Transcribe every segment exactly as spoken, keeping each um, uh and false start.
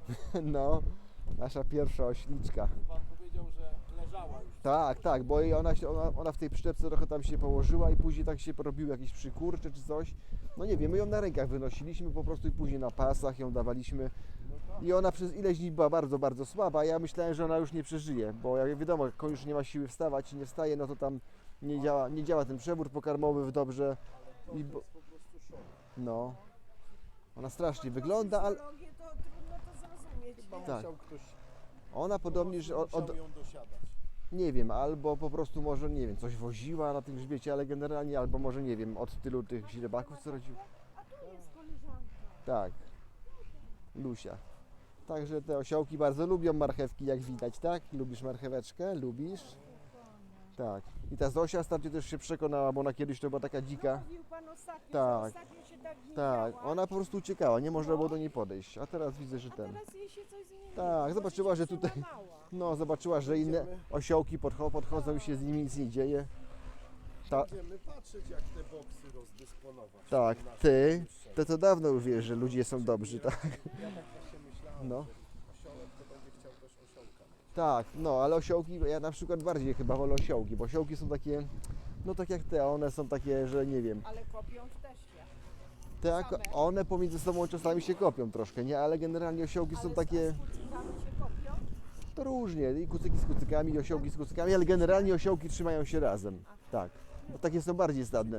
No, nasza pierwsza ośliczka. Pan powiedział, że leżała już. Tak, tak, bo jej ona, się, ona, ona w tej przyczepce trochę tam się położyła i później tak się porobiły jakieś przykurcze czy coś. No nie wiem, my ją na rękach wynosiliśmy po prostu i później na pasach ją dawaliśmy. I ona przez ileś dni była bardzo, bardzo słaba. Ja myślałem, że ona już nie przeżyje, bo jak wiadomo, jak koń już nie ma siły wstawać i nie wstaje, no to tam nie działa, nie działa ten przewód pokarmowy dobrze. I bo, Po prostu szok. no, ona strasznie wygląda, ale Fizjologię to trudno to zrozumieć. Chyba nie? Tak. musiał ktoś, ona podobnie, że od, musiał od, ją dosiadać. nie wiem, albo po prostu może, nie wiem, coś woziła na tym grzbiecie, ale generalnie, albo może, nie wiem, od tylu tych źrebaków, co rodził. A tu jest koleżanka. Tak, Lusia. Także te osiołki bardzo lubią marchewki, jak widać, tak? Lubisz marcheweczkę? Lubisz? Tak. I ta Zosia ostatnio też się przekonała, bo ona kiedyś to była taka dzika. Mówił pan ostatnio, Tak. że ostatnio się tak nie Tak, działa, ona po prostu uciekała, nie można było do niej podejść. A teraz widzę, że a ten. teraz jej się coś zmieniło. Tak, Może zobaczyła, się że tutaj- przełamała. No, zobaczyła, że inne osiołki podcho- podchodzą i się z nimi nic nie dzieje. Ta, Będziemy patrzeć, jak te boksy rozdysponować. tak, Nasze ty, najbliższe. to to dawno już wiesz, że ludzie są dobrzy, tak? Ja tak właśnie myślałem, No. że osiołek to będzie chciał też osiołka. Tak, no, ale osiołki, ja na przykład bardziej chyba wolę osiołki, bo osiołki są takie, no tak jak te, one są takie, że nie wiem, Ale kopią w teście. tak, Same. one pomiędzy sobą czasami się kopią troszkę, nie, ale generalnie osiołki są Ale takie, z kucykami się kopią? to różnie, i kucyki z kucykami, i osiołki z kucykami, ale generalnie osiołki trzymają się razem, tak, bo takie są bardziej stadne,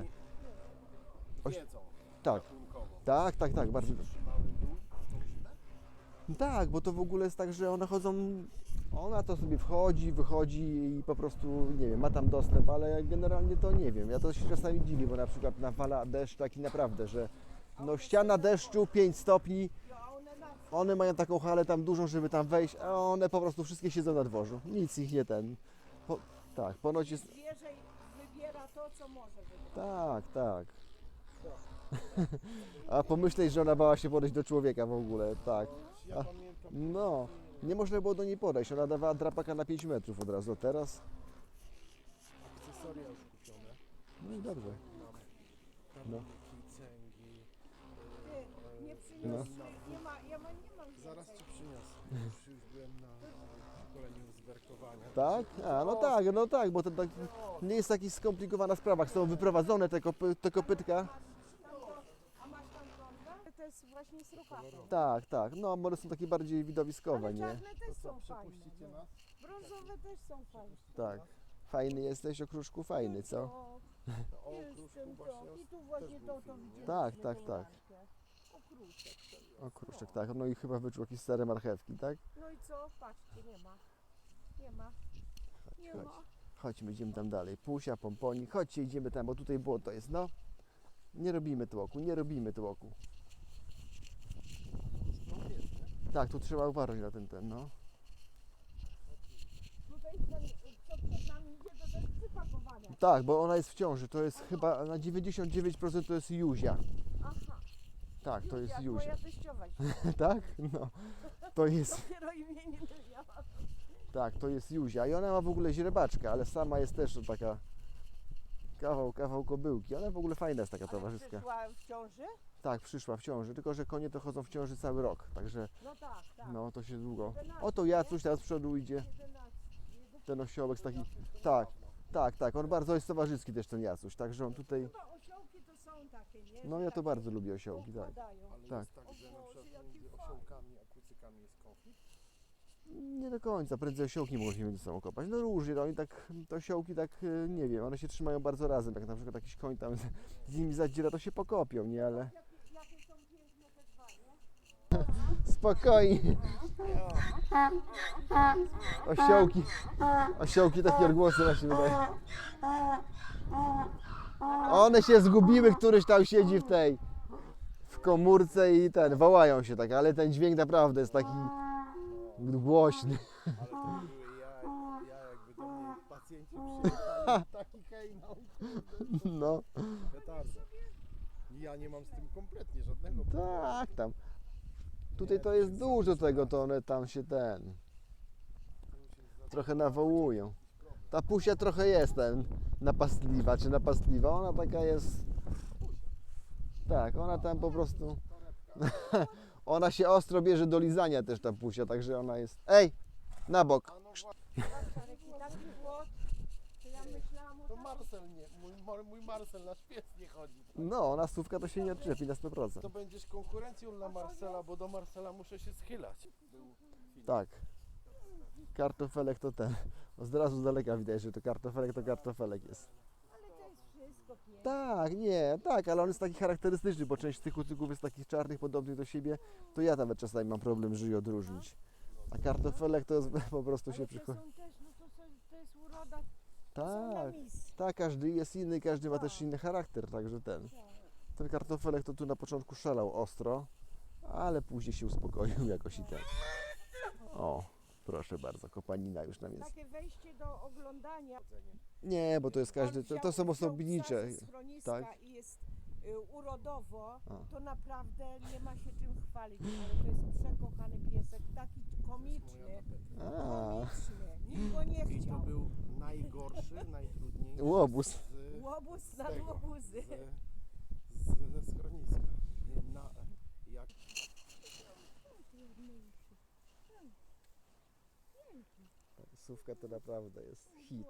Oś- Wiedzą tak, gatunkowo. tak, tak, tak, bardzo, Trzymały dół, to źle? tak, bo to w ogóle jest tak, że one chodzą, ona to sobie wchodzi, wychodzi i po prostu, nie wiem, ma tam dostęp, ale generalnie to nie wiem, ja to się czasami dziwię, bo na przykład nawala deszcz taki naprawdę, że no ściana deszczu pięć stopni, No, a one na one mają taką halę tam dużą, żeby tam wejść, a one po prostu wszystkie siedzą na dworzu, nic ich nie ten, po, tak, ponoć jest, zwierzę wybiera to, co może wybrać. tak, tak. A pomyśleć, że ona bała się podejść do człowieka w ogóle, tak. Ja A, pamiętam, no, nie można było do niej podejść, ona dawała drapaka na pięć metrów od razu, a teraz, akcesoria już kupione. no i dobrze. No. Kamyki, cęgi. Ty, nie No. przyniosły, nie ma, ja ma, nie mam Zaraz więcej. ci przyniosę. Już, już byłem na na szkoleniu z werkowania. Tak? A, no tak, no tak, bo to tak nie jest taka skomplikowana sprawa. Są wyprowadzone te, kopy, te kopytka. A masz tam blondę? To jest właśnie z ruchawą. Tak, tak, no one są takie bardziej widowiskowe, Ale nie? czarne też Co, są fajne. przepuścicie no. nas? Brązowe też są fajne. Tak. Fajny jesteś, okruszku, fajny, co? O, O jestem kruszku właśnie. to. I tu właśnie był to, to film, nie? widzieliśmy. Tak, tak, tą tak. lampkę. Okruszek to jest. Okruszek, tak, no i chyba wyczuł jakieś stare marchewki, tak? No i co? Patrzcie, nie ma. Nie ma. Nie chodź. ma. Chodźmy, idziemy tam dalej. Pusia, pomponik, chodźcie, idziemy tam, bo tutaj błoto jest, no. Nie robimy tłoku, nie robimy tłoku. No jest, nie? Tak, tu trzeba uważać na ten, ten, no. Tutaj ten, co przed nami idzie, to też przypakowane. Tak, bo ona jest w ciąży, to jest chyba na dziewięćdziesiąt dziewięć procent to jest Juzia. Aha. Tak, to jest Jak Juzia. moja teściowa się Tak? No. To jest, dopiero imieniny miała. tak, to jest Juzia i ona ma w ogóle źrebaczkę, ale sama jest też taka kawał, kawał kobyłki. Ona w ogóle fajna jest taka Ale towarzyska. przyszła w ciąży? Tak, przyszła w ciąży, tylko że konie to chodzą w ciąży cały rok, także No tak, tak. no to się długo. jedenaście, Oto Jacuś teraz z przodu idzie, jedenaście. ten osiołek z taki, tak, tak, tak, on bardzo jest towarzyski też ten Jacuś, także on tutaj, Chyba osiołki to są takie, nie? no Że ja to takie bardzo lubię osiołki, tak. układają. Ale Tak. jest tak, że na O Boże, przykład jaki między fajny. osiołkami a kucykami jest konflikt. Nie do końca, prędzej osiołki mogą się między sobą kopać. No różnie, no oni tak, te osiołki tak, e, nie wiem, one się trzymają bardzo razem, jak na przykład jakiś koń tam z, z nimi zadziera, to się pokopią, nie, ale Jakie, jakie są piękne te dwa, nie? spokojnie. Osiołki, osiołki takie odgłosy właśnie wydają. One się zgubiły, któryś tam siedzi w tej, w komórce i ten, wołają się tak, ale ten dźwięk naprawdę jest taki głośny. Ale to były ja, ja jakby do mnie pacjenci przyjechali, taki hejnał, No, petarda. Ja nie mam z tym kompletnie żadnego problemu. tak, tam. Tutaj to jest dużo tego, to one tam się ten, trochę nawołują. Ta Pusia trochę jest ten, napastliwa, czy napastliwa, ona taka jest, tak, ona tam po prostu, ona się ostro bierze do lizania też ta pusia, także ona jest... Ej, na bok. A no właśnie, Czarek, i taki głos, że ja myślałam o to takim. Marcel nie, mój, Mar- mój Marcel nasz pies nie chodzi. No, ona stówka to się nie odczepi na sto procent. To będziesz konkurencją dla Marcela, bo do Marcela muszę się schylać. Był film. Tak. Kartofelek to ten. Od razu z daleka widać, że to kartofelek to kartofelek jest. Ale to jest wszystko piękne. Tak, nie, tak, ale on jest taki charakterystyczny, bo część z tych kucyków jest takich czarnych, podobnych do siebie, to ja nawet czasami mam problem, żeby je odróżnić. A kartofelek to jest, po prostu się Ale to przychodzi. są też, no to, są, to jest uroda, to są na Tak, mis. tak, każdy jest inny, każdy ma też inny charakter, także ten. Ten kartofelek to tu na początku szalał ostro, ale później się uspokoił jakoś i ten. O, proszę bardzo, kopanina już nam jest. Takie wejście do oglądania. Nie, bo to jest każdy, On to, wziął- to są wziął osobnicze. psa ze schroniska tak. i jest y, urodowo, A. to naprawdę nie ma się czym chwalić, ale to jest przekochany piesek, taki komiczny, A, komiczny, nikt go nie I to chciał. był najgorszy, najtrudniejszy. Łobuz. Z, Łobuz na tego, łobuzy. z, z, ze schroniska. Na, jak Sówka to naprawdę jest hit.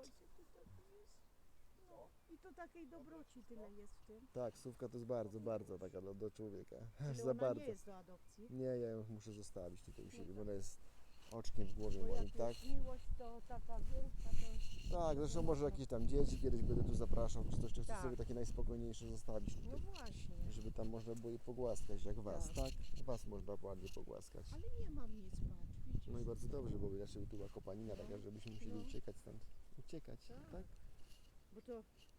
I to takiej dobroci tyle jest w tym. Tak, sówka to jest bardzo, bardzo taka do, do człowieka. Ale Za ona bardzo. nie jest do adopcji. Nie, ja ją muszę zostawić tutaj u siebie, bo ona jest oczkiem w głowie Bo moim, jak tak? jest miłość, to taka większa, to... Tak, zresztą może jakieś tam dzieci kiedyś będę tu zapraszał, czy coś, czy chcę Tak. sobie takie najspokojniejsze zostawić No tutaj. właśnie. Żeby tam można było je pogłaskać, jak was, Tak. tak? Was można ładnie pogłaskać. Ale nie mam nic, patrz, widzisz? No i bardzo dobrze, bo inaczej by tu była kopanina taka, żebyśmy musieli No. uciekać stąd. Uciekać, Tak. tak? Bo to